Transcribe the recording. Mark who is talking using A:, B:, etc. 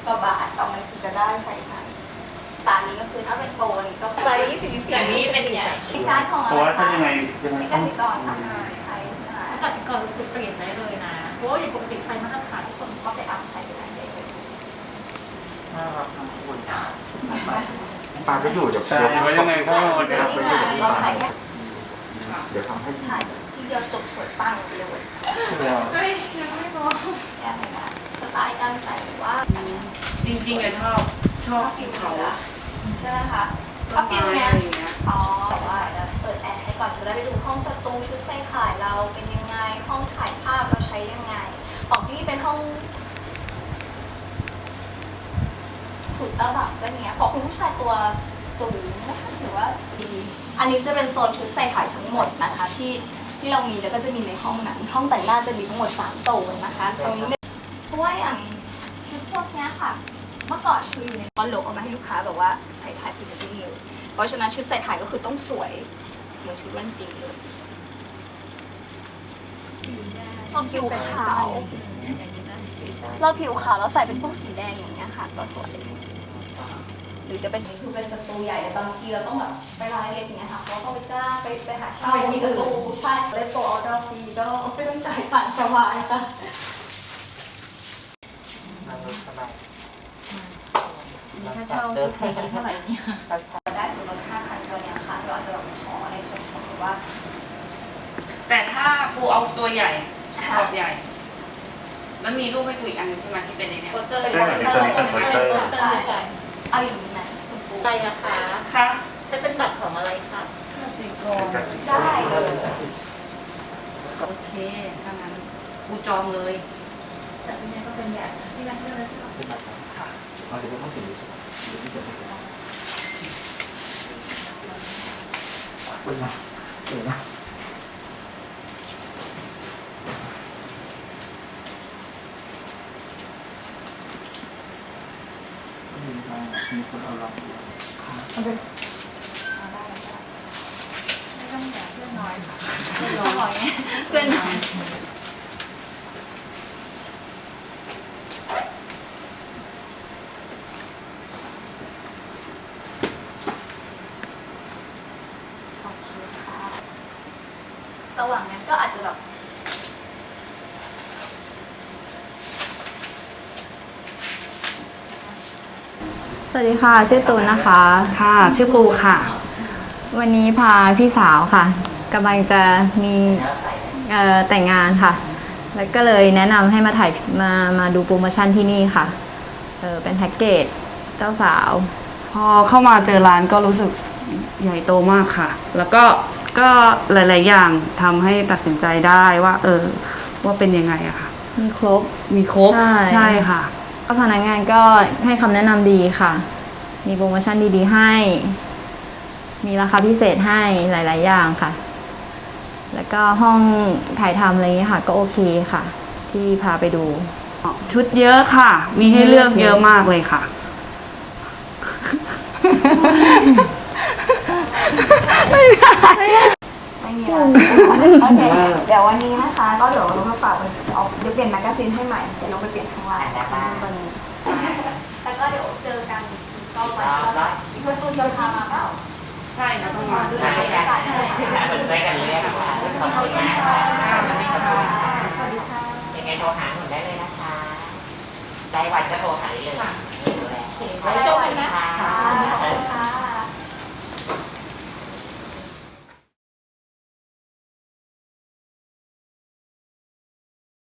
A: กว่าบาทเอามันถึงจะได้ใส่ถังสารนี้ก็คือถ้าเป็นโปรนี่ก็
B: ไซส์44อย่างนี้เป็นใหญ่
A: การของอะไร
C: เพราะว่าถ้ายังไง
A: เป็นกสิกรใช่นะคะ
B: ถ้ากสิกรคือเปลี่ยนได้เลยนะเพราะว่าอย่างปกติไฟมาตรฐาน
A: ทุกคนก็ไปอัพใส่ได้เลย
C: น่ารักทั้งคู่
D: ปาก็อยู่เดี๋ยว
C: ใช่ว่ายังไงก็วันนี้
A: เราถ่ายแค่
D: เดี๋ยวทำให้
A: ถ่ายที่เดียวจบสวยปังเดียว
B: เฮ้ยยังไม่พอ
A: แค่ไหนนะสไตล์การแต่งว่า
E: จริงๆอะชอบ
A: ฟิล
E: เขา
A: ใช่ไหมคะถ้าฟิลเนี้ยอ๋อแต่ว่าเปิดแอร์ให้ก่อนจะได้ไปดูห้องสตูชุดใส่ขายเราเป็นยังไงห้องถ่ายภาพเราใช้ยังไงของที่เป็นห้องสูตรเจ้าบ่าวก็เนี้ยพอคุณผู้ชายตัวสูงนะคะหรือว่าดีอันนี้จะเป็นโซนชุดใส่ถ่ายทั้งหมดนะคะที่เรามีแล้วก็จะมีในห้องนั้นห้องแต่งหน้าจะมีทั้งหมด3โซนนะคะตรงนี้เพราะว่าอย่างชุดพวกเนี้ยค่ะเมื่อก่อนคืออยู่ในคอนโหลเอามาให้ลูกค้าแบบว่าใส่ถ่ายพรีเวดดิ้งเลยเพราะฉะนั้นชุดใส่ถ่ายก็คือต้องสวยเหมือนชุดวันจริงเลยเราผิวขาวเราผิวขาวเราใส่เป็นพวกสีแดงอย่างเงี้ยค่ะก็สวยหรือจะเป็นคือเป็นสตูใหญ่บางทีเราต้องแบบไปรายละเอียดอย่างเงี้ยค่ะเราต้องไปจ้างไปหาเช่าสตูใช่เลยโปรออเดอร์ฟรีก็ไม่ต้องจ่ายผ่านสบายค่ะ
B: ถ้าเช่าชุดเพลงเท่าไหร่เนี่ย
A: ได้ส่วนลด 5,000 ตัวเนี้ยค่ะเราอาจจะแบบขอในส่วนของว่า
E: แต่ถ้าปูเอาตัวใหญ่ขอบใหญ่ แล้วมีรูปให้ปูอีกอันนึงใช่ไหมที่เป็นในเนี้ย
B: โปสเตอร์
A: เป็นโปสเตอร์
B: เป็นโปสเตอร์ใช่ใช่
A: เอาอย่างนี้ไหมคุณปู
B: ใจราคา
E: ค่ะ
B: ใช้เป็นบัตรของอะไรคะ
E: กสิกร
A: ได้เลย
E: โอเคถ้างั้นปูจองเลย
B: แต่ที่นี่ก็เป็นแบบที่แม่เพื่อนเลยใช่ไหม
E: ค่ะ
D: เอาเดี๋ยวต้องสิ่งนี้ใช่ไหมเดี๋ยวที่จะให้คุณนะเดี๋ยวนะมีคนเอาเรา
A: เอาได้
B: ไม่ต้องแบบเพื่อนน้อยค่ะเพื่อนน้อยเพื่อนน้อย
A: โอเคค่ะระหว่างนั้นก็อาจจะแบบ
F: สวัสดีค่ะชื่อตูนนะคะ
E: ค่ะชื่อปูค่ะ
F: วันนี้พาพี่สาวค่ะกำลังจะมีแต่งงานค่ะ แล้วก็เลยแนะนำให้มาถ่ายมาดูโปรโมชั่นที่นี่ค่ะเป็นแพ็กเกจเจ้าสาว
E: พอเข้ามาเจอร้านก็รู้สึกใหญ่โตมากค่ะ แล้วก็หลายๆอย่างทำให้ตัดสินใจได้ว่าว่าเป็นยังไงอะค่ะ
F: มีครบ
E: มีครบ
F: ใช่
E: ค่ะ
F: ก็พนักงานก็ให้คำแนะนำดีค่ะ มีโปรโมชั่นดีๆให้ มีราคาพิเศษให้หลายๆอย่างค่ะ แล้วก็ห้องถ่ายทำอะไรอย่างเงี้ยค่ะ ก็โอเคค่ะ ที่พาไปดู
E: ชุดเยอะค่ะ มีให้เลือกเยอะมากเลยค่ะ
A: ไม่มีแล้วโอเคเดี๋ยววันนี้นะคะก็เดี๋ยวเรามาฝากเอาเดี๋ยวเปลี่ยนแมกกาซีนให้ใหม่เดี๋ยวเราไปเปลี่ยนข้างล่างนะคะตัวนี้แล้วก็เดี๋ยวเจอกันก็วันอีกคนตูนจะพามาเปล่า
E: ใช่ค่ะต้องมา
A: ดูบรรยากาศให้
G: ช่วยกันเรียกค่ะขอบคุณนะคะ
A: สวัสดีค่ะ
G: ยังไงโทรหาหนูได้เลยนะคะ ได้วันก็โทรหาได้เลยดูแล
B: ไว้ชมกันนะ
G: ค่ะ